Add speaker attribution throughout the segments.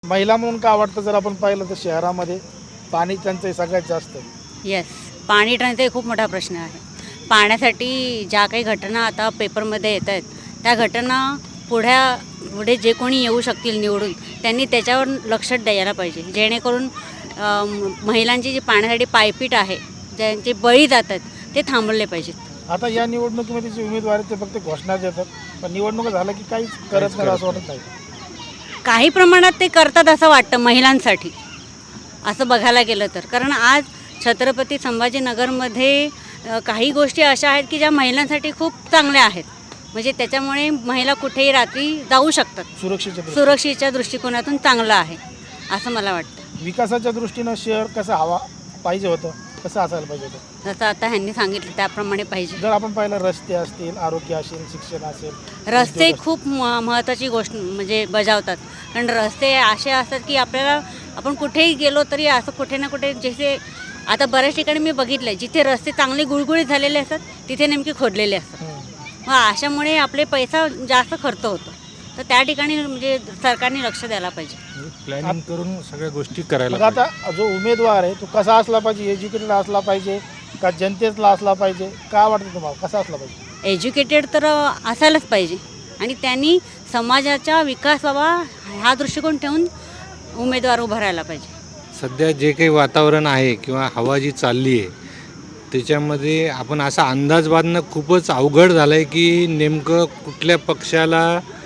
Speaker 1: महिला म्हणून का वाटतं जर आपण पाहिलं तर शहरामध्ये पाणी टंचाई सगळ्यात जास्त आहे.
Speaker 2: येस, पाणी टंचाई खूप मोठा प्रश्न आहे. पाण्यासाठी ज्या काही घटना आता पेपरमध्ये येत आहेत त्या घटना पुढे जे कोणी येऊ शकतील निवडून त्यांनी त्याच्यावर लक्ष द्यायला पाहिजे, जेणेकरून महिलांची जी पाण्यासाठी पायपीट आहे, ज्यांचे बळी जातात ते थांबवले पाहिजेत.
Speaker 1: आता या निवडणुकीमध्ये जे उमेदवार आहेत ते फक्त घोषणा देतात, पण निवडणूक झालं की काहीच करत नाही असं वाटत नाही.
Speaker 2: काही प्रमाणात ते करतात असं वाटतं महिलांसाठी, असं बघायला गेलं तर. कारण आज छत्रपती संभाजीनगरमध्ये काही गोष्टी अशा आहेत की ज्या महिलांसाठी खूप चांगल्या आहेत. म्हणजे त्याच्यामुळे महिला कुठेही रात्री जाऊ शकतात. सुरक्षेच्या दृष्टिकोनातून चांगलं आहे असं मला वाटतं.
Speaker 1: विकासाच्या दृष्टीनं शहर कसं हवा पाहिजे होतं, कसं असायला पाहिजे होतं,
Speaker 2: जसं आता ह्यांनी सांगितलं त्याप्रमाणे पाहिजे.
Speaker 1: जर आपण पाहिलं रस्ते असतील, आरोग्य असेल, शिक्षण असेल,
Speaker 2: रस्ते खूप महत्त्वाची गोष्ट म्हणजे बजावतात. कारण रस्ते असे असतात की आपण कुठेही गेलो तरी असं कुठे ना कुठे, जसे आता बऱ्याच ठिकाणी मी बघितलं आहे जिथे रस्ते चांगले गुळगुळीत झालेले असतात तिथे नेमके खोदलेले असतात. मग अशामुळे आपले पैसा जास्त खर्च होतो. तर त्या ठिकाणी म्हणजे सरकारने लक्ष द्यायला पाहिजे,
Speaker 3: प्लॅनिंग करून सगळ्या गोष्टी करायला.
Speaker 1: मग आता जो उमेदवार आहे तो कसा असला पाहिजे, एज्युकेटेड असला पाहिजे का जनतेतला असला पाहिजे, काय वाटतं तुम्हाला कसा असला पाहिजे?
Speaker 2: एज्युकेटेड तर असायलाच पाहिजे आणि त्यांनी समाजाचा विकास व्हावा हा दृष्टिकोन ठेवून उमेदवार उभा राहायला पाहिजे.
Speaker 3: सध्या जे काही वातावरण आहे किंवा हवा जी चालली आहे त्याच्यामध्ये आपण असा अंदाज बांधणं खूपच अवघड झालं आहे की नेमकं कुठल्या पक्षाला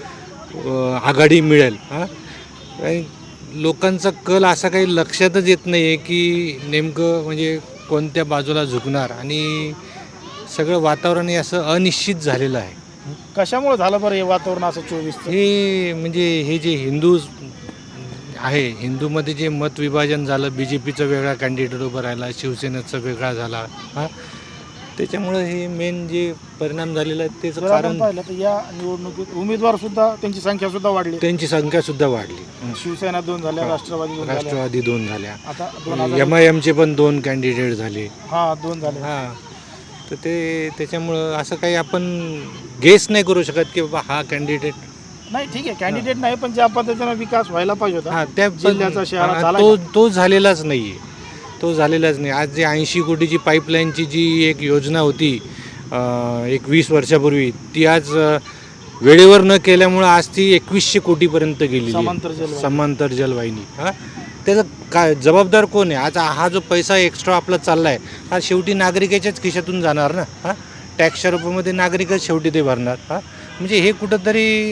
Speaker 3: आघाडी मिळेल. लोकांचा कल असा काही लक्षातच येत नाही आहे की नेमकं म्हणजे कोणत्या बाजूला झुकणार, आणि सगळं वातावरण हे असं अनिश्चित झालेलं आहे.
Speaker 1: कशामुळे झालं बरं हे वातावरण असं 24?
Speaker 3: हे म्हणजे हे जे हिंदू आहे, हिंदूमध्ये जे मतविभाजन झालं, BJPचं वेगळा कॅन्डिडेट उभं राहिला, शिवसेनेचा वेगळा झाला, त्याच्यामुळं हे मेन जे परिणाम झालेला आहे त्याचं कारण
Speaker 1: पाहिलं तर या निवडणुकीत उमेदवार सुद्धा त्यांची संख्या सुद्धा वाढली.
Speaker 3: त्यांची संख्या सुद्धा वाढली.
Speaker 1: शिवसेना 2 झाल्या,
Speaker 3: राष्ट्रवादी 2 झाल्या,
Speaker 1: आता
Speaker 3: MIMचे पण 2 कॅन्डिडेट झाले.
Speaker 1: 2 झाले.
Speaker 3: तर त्याच्यामुळं असं काही आपण गेस नाही करू शकत की बाबा हा कॅन्डिडेट
Speaker 1: नाही. ठीक आहे, कॅन्डिडेट नाही, पण ज्या पद्धतीनं विकास व्हायला पाहिजे होता
Speaker 3: त्या
Speaker 1: जिल्ह्याचा, शहराचा झाला
Speaker 3: तो झालेलाच नाही आहे. आज जे 80 कोटीची पाईपलाईनची जी एक योजना होती एक 20 वर्षापूर्वी, ती आज वेळेवर न केल्यामुळं आज ती 2100 कोटीपर्यंत गेली. समांतर जलवाहिनी. त्याचं काय जबाबदार कोण आहे? आज हा जो पैसा एक्स्ट्रा आपला चालला आहे हा शेवटी नागरिकाच्याच खिशातून जाणार ना. टॅक्सच्या रूपामध्ये नागरिकच शेवटी ते भरणार. म्हणजे हे कुठंतरी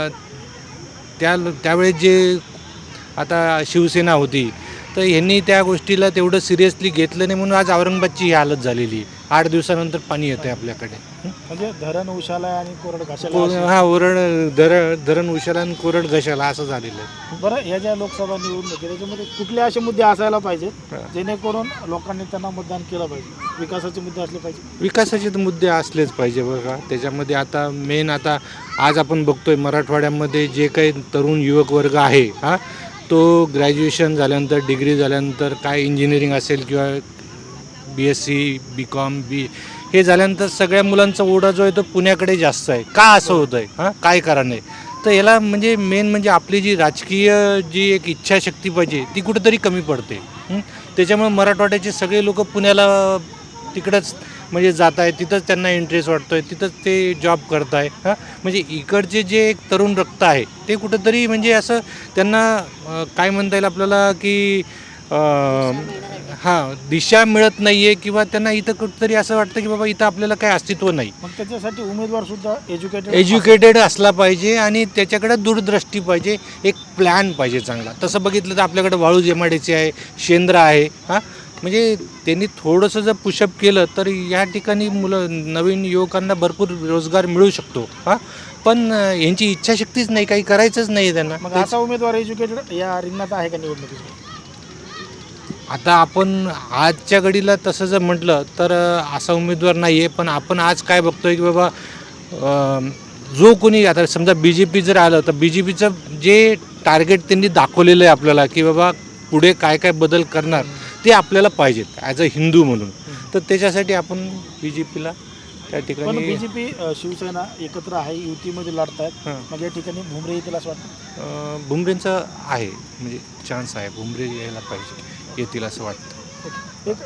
Speaker 3: त्यावेळेस जे आता शिवसेना होती तर ह्यांनी त्या गोष्टीला तेवढं सिरियसली घेतलं नाही, म्हणून आज औरंगाबादची ही हालत झालेली आहे. 8 दिवसानंतर पाणी येतं आहे आपल्याकडे.
Speaker 1: म्हणजे धरण उशाला आणि कोरड घशाला.
Speaker 3: धरण उशाला आणि कोरड घशाला असं झालेलं आहे.
Speaker 1: बरं, या ज्या लोकसभा निवडणुकी त्याच्यामध्ये कुठले असे मुद्दे असायला पाहिजेत जेणेकरून लोकांनी त्यांना मतदान केलं पाहिजे? विकासाचे मुद्दे असले पाहिजे.
Speaker 3: विकासाचे तर मुद्दे असलेच पाहिजे बघा. त्याच्यामध्ये आता मेन आज आपण बघतोय मराठवाड्यामध्ये जे काही तरुण युवक वर्ग आहे तो ग्रॅज्युएशन झाल्यानंतर, डिग्री झाल्यानंतर, काय इंजिनिअरिंग असेल किंवा BSc BCom हे झाल्यानंतर सगळ्या मुलांचा ओढा जो आहे तो पुण्याकडे जास्त आहे. का असं होतं आहे? काय कारण आहे? तर याला म्हणजे मेन म्हणजे आपली जी राजकीय जी एक इच्छाशक्ती पाहिजे ती कुठेतरी कमी पडते. त्याच्यामुळे मराठवाड्याचे सगळे लोक पुण्याला तिकडंच म्हणजे जात आहे, तिथंच त्यांना इंटरेस्ट वाटतो आहे, तिथंच ते जॉब करत आहे. म्हणजे इकडचे जे एक तरुण रक्त आहे ते कुठंतरी म्हणजे असं त्यांना काय म्हणता येईल आपल्याला की दिशा मिळत नाही आहे, किंवा त्यांना इथं कुठंतरी असं वाटतं की बाबा इथं आपल्याला काही अस्तित्व नाही.
Speaker 1: मग त्याच्यासाठी उमेदवार सुद्धा
Speaker 3: एज्युकेटेड असला पाहिजे आणि त्याच्याकडे दूरदृष्टी पाहिजे, एक प्लॅन पाहिजे चांगला. तसं बघितलं तर आपल्याकडे वाळूज MIDC आहे, शेंद्र आहे. म्हणजे त्यांनी थोडंसं जर पुशअप केलं तर या ठिकाणी नवीन युवकांना भरपूर रोजगार मिळू शकतो. पण यांची इच्छाशक्तीच नाही, काही करायचंच नाही त्यांना.
Speaker 1: मग असा उमेदवार एज्युकेटेड या रिंगणात आहे का निवडणुकीत?
Speaker 3: आता आपण आजच्या घडीला तसं जर म्हटलं तर असा उमेदवार नाही आहे. पण आपण आज काय बघतोय की बाबा जो कोणी आता समजा BJP जर आलं तर BJPचं जे टार्गेट त्यांनी दाखवलेलं आहे आपल्याला की बाबा पुढे काय काय बदल करणार ते आपल्याला पाहिजेत ॲज अ हिंदू म्हणून. तर त्याच्यासाठी आपण BJPला त्या
Speaker 1: पण
Speaker 3: ठिकाणी
Speaker 1: बीजेपी शिवसेना एकत्र आहे, युतीमध्ये लढतायत.
Speaker 3: हां.
Speaker 1: मग या ठिकाणी भुमरे येतील असं वाटतं.
Speaker 3: भुमरेंचा आहे म्हणजे चान्स आहे, भुमरे यायला पाहिजे, येतील असं वाटतं.
Speaker 1: एक